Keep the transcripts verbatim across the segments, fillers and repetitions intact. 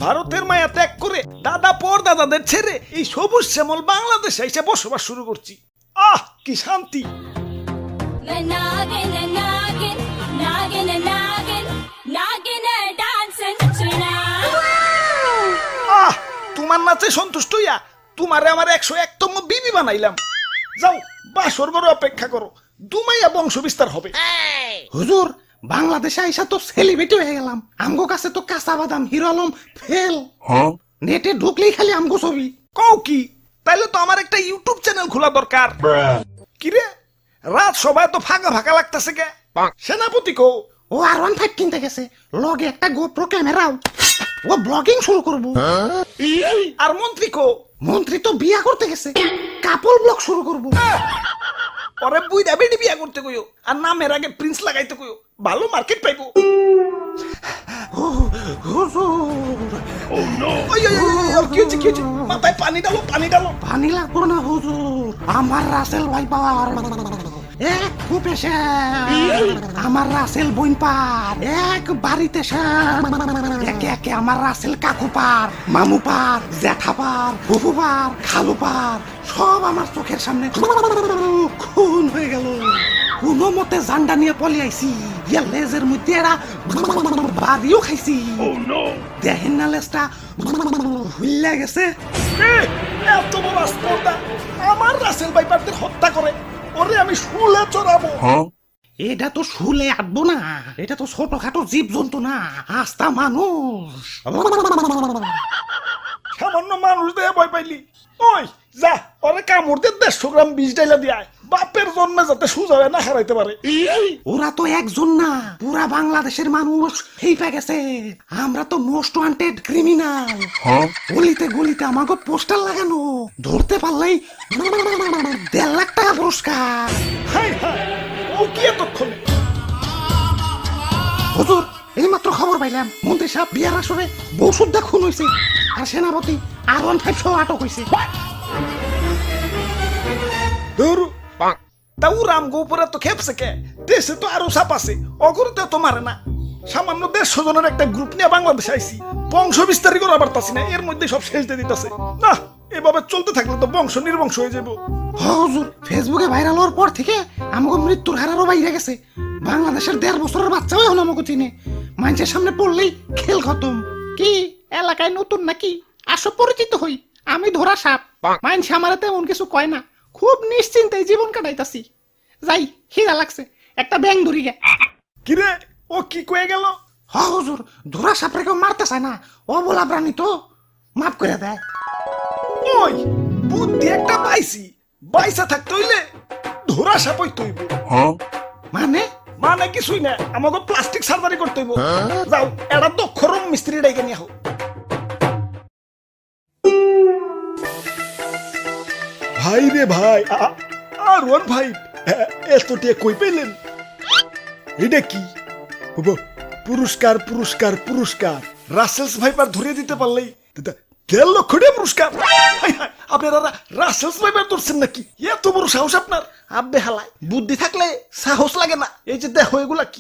ভারতের মায়া ত্যাগ করে দাদা পর দাদাদের ছেড়ে এই সবুজ শ্যামল বাংলাদেশে এসে বসবাস শুরু করছি। আহ কি শান্তি। আহ তোমার নাচে সন্তুষ্ট হইয়া তোমারে আমার একশো একতম বিবি বানাইলাম। যাও বাসর বড় অপেক্ষা করো, দুমাইয়া বংশ বিস্তার হবে। হুজুর বাংলাদেশে আইসা তো সেলিব্রিটি হয়ে গেলাম, আমগো কাছে তো কাঁচা বাদাম হিরো আলম ফেল। নেটে ঢুকলেই খালি আমগো ছবি। কও কি? তাইলে তো আমার একটা ইউটিউব চ্যানেল খোলা দরকার। কিরে রাত সবাই তো ফাঁকা ফাঁকা লাগতেছে কে? সেনাপতি কো? ও আর ওয়ান ফাইভ কিনতে গেছে, লগে একটা গোপ্রো ক্যামেরাও। ও ব্লগিং শুরু করবো। আর মন্ত্রী কো? মন্ত্রী তো বিয়া করতে গেছে, কাপল ব্লগ শুরু করবো। পরে বুইড়া বেডি বিয়া করতে কইও, আর নামের আগে প্রিন্স লাগাইতে কইও, ভালো মার্কেট পাইবো। হুজুর ওই, ওই, ওই, ওই, কি হচ্ছে, কি হচ্ছে? মাথায় পানি ডালো, পানি ডালো। পানি লাগবো না হুজুর, আমার রাসেল ভাই পাওয়ার এক কূপে আমার রাসেল বইন পার এক বাড়িতে একে একে আমার রাসেল কাকু পার, মামু পার, জ্যাঠা পার, ফুফু পার, খালু পার, সব আমার চোখের সামনে খুন হয়ে গেল। কোনো মতে জান্ডা নিয়ে পলে আইছি, ইয়া লেজের মধ্যে এরা বাদিও খাইছি। দেখেন না লেজটা হুইল্লা গেছে। এত বড় স্পর্ধা আমার রাসেল ভাইপারদের হত্যা করে, ওরে আমি শুলে চড়াবো। এটা তো শুলে আটবো না, এটা তো ছোটখাটো জীব জন্তু না, আস্তা মানুষ। সামান্য মানুষ দেয়া ভয় পাইলি? ওই যা ওরে কামড় দিয়ে দেড়শো গ্রাম বিষ ডাইলা দিয়ে বাপের জন্মে যাতে সুজা হয়ে না হারাইতে পারে। ওরা তো একজন না, পুরা বাংলাদেশের মানুষ হেইপা গেছে। আমরা তো মোস্ট ওয়ান্টেড ক্রিমিনাল। গলিতে গলিতে আমাকে পোস্টার লাগানো, ধরতে পারলেই দেড় লাখ টাকা পুরস্কার। হাই হাই ও কি এতক্ষণ? হুজুর এই মাত্র খবর পাইলাম মন্ত্রী সাহেব বিয়ার আসরে বউ সুদ্ধা খুন হয়েছে, আর সেনাপতি আর ওয়ান ফাইভ সহ আটক হয়েছে। তাও রাম গোপুরে তো খেপছে কে? দেশে তো আরো সাপ আছে, অগরতে তো মারে না। সামান্য দেড়শো জনের একটা গ্রুপ নিয়ে বাংলাদেশে আইছি, বংশ বিস্তারই করা পারতাছি না, এর মধ্যে সব শেষ দিয়ে দিতেছে। না এভাবে চলতে থাকলে তো বংশ নির্বংশ হয়ে যাবো। হুজুর ফেসবুকে ভাইরাল হওয়ার পর থেকে আমাকে মৃত্যুর হারারও বাইরে গেছে। বাংলাদেশের দেড় বছরের বাচ্চাও এখন আমাকে চিনে, মানুষের সামনে পড়লেই খেল খতম। কি এলাকায় নতুন নাকি? আসো পরিচিত হই, আমি ধরা সাপ। মানুষ আমার তেমন কিছু কয় না, খুব নিশ্চিন্তে জীবন কাটাইতাছি। যাই খিদা লাগছে, একটা ব্যাং ধরি গে। কিরে ও কি কয়ে গেল? হ হুজুর ধরা সাপরে কেউ মারতে চায় না, ও বলা প্রাণী তো মাফ করে দেয়। ওই বুদ্ধি একটা পাইছি, বাইসা থাকতে হইলে ধরা সাপ হইতে হইব। মানে মানে কিছুই না, আমাকে প্লাস্টিক সার্জারি করতে হইব। যাও এটা দক্ষ রুম মিস্ত্রি ডাইকে নিয়ে হোক। ভাই রে ভাই, আর ওর ভাই এত টিয়া কই পেলেন? এটা কি পুরস্কার? পুরস্কার পুরস্কার রাসেলস ভাইপার ধরে দিতে পারলেই দেড় লক্ষ টাকা পুরস্কার। আপনারা রাসেলস ভাইপার ধরছেন নাকি? এত বড় সাহস আপনার? আব্বে হালায়, বুদ্ধি থাকলে সাহস লাগে না। এই যে দেখো এগুলা কি?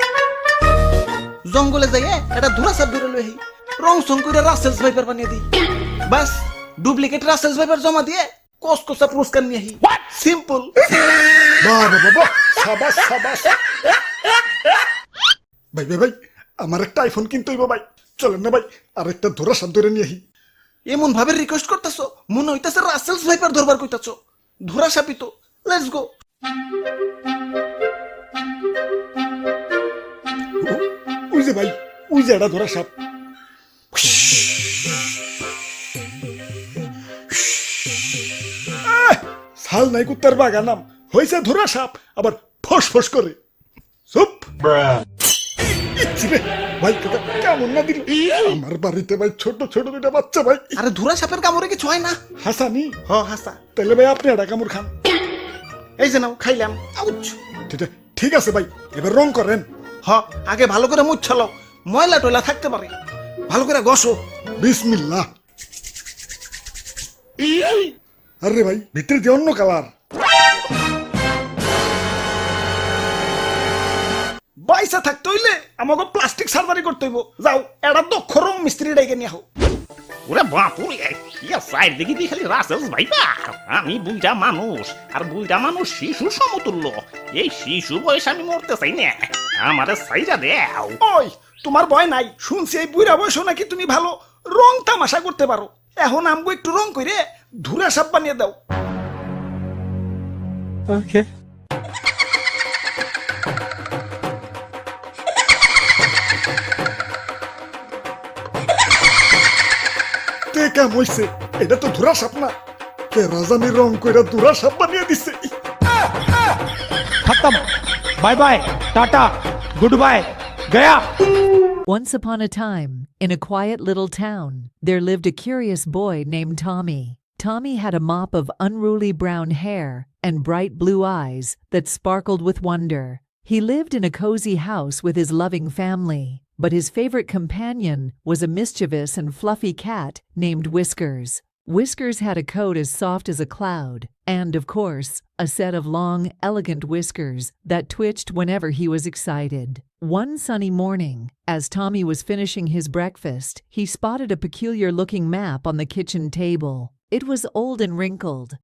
জঙ্গলে যাইয়ে এটা ধরা সাপ ধরে লই, রং সং করে রাসেলস ভাইপার বানিয়ে দিই, বাস ডুপ্লিকেট রাসেলস ভাইপার জমা দিয়ে কসকসা পুরস্কার নিয়ে আহি। সিম্পল। বাহ বাহ বাহ, সাবাস সাবাস। ভাই ভাই ভাই আমার একটা আইফোন কিনতে হইব ভাই, চলেন না ভাই আর একটা ধরা সাপ ধরে নিয়ে আহি। এমন ভাবে রিকোয়েস্ট করতেছো মনে হইতাছে রাসেলস ভাইপার ধরবার কইতাছো। ধরা সাপই তো, লেটস গো। ওই যে ভাই, ওই যে এটা ধরা সাপ। সাল নাই কুত্তার বাগানাম হয়েছে ধরা সাপ, আবার ফস ফস করে। চুপ ভাই, কেমন না দিল আমার বাড়িতে ভাই, ছোট ছোট দুটা বাচ্চা ভাই। আরে ধরা সাপের কামড়ে কিছু হয় না। হাসানি? হ হাসা। তাহলে ভাই আপনি একটা কামড় খান। এই যে নাও খাইলাম। আউচ। ঠিক আছে ভাই, এবার রং করেন। হ আগে ভালো করে মুছালো, ময়লা টয়লা থাকতে পারে, ভালো করে ঘষো। বিসমিল্লাহ। আরে ভাই ভিতরে যে অন্য কালার। বাইসা থাকতে হইলে আমাকে প্লাস্টিক সার্জারি করতে হইব যাও এটা দক্ষ রং মিস্ত্রি ডেকে নিয়ে আহো ওরে বাপুরে ইয়া সাইড দেখি দি খালি রাসেলস ভাইপার আমি বুইটা মানুষ আর বুইটা মানুষ শিশু সমতুল্য এই শিশু বয়স আমি মরতে চাই না আমারে সাইডা দেও ওই তোমার ভয় নাই শুনছি এই বুড়া বয়সও নাকি তুমি ভালো রং তামাশা করতে পারো এখন আমগো একটু রং কইরে ধুরা সাপ বানিয়ে দাও Okay. তে কাম হইছে এটা তো ধুরা সাপ না কে রাজানি রং কইরা ধুরা সাপ বানিয়ে দিছে खत्म bye bye tata good bye गया Once upon a time, in a quiet little town, there lived a curious boy named Tommy. Tommy had a mop of unruly brown hair and bright blue eyes that sparkled with wonder. He lived in a cozy house with his loving family, but his favorite companion was a mischievous and fluffy cat named Whiskers. Whiskers had a coat as soft as a cloud, and, of course, a set of long, elegant whiskers that twitched whenever he was excited. One sunny morning, as Tommy was finishing his breakfast, he spotted a peculiar-looking map on the kitchen table. It was old and wrinkled,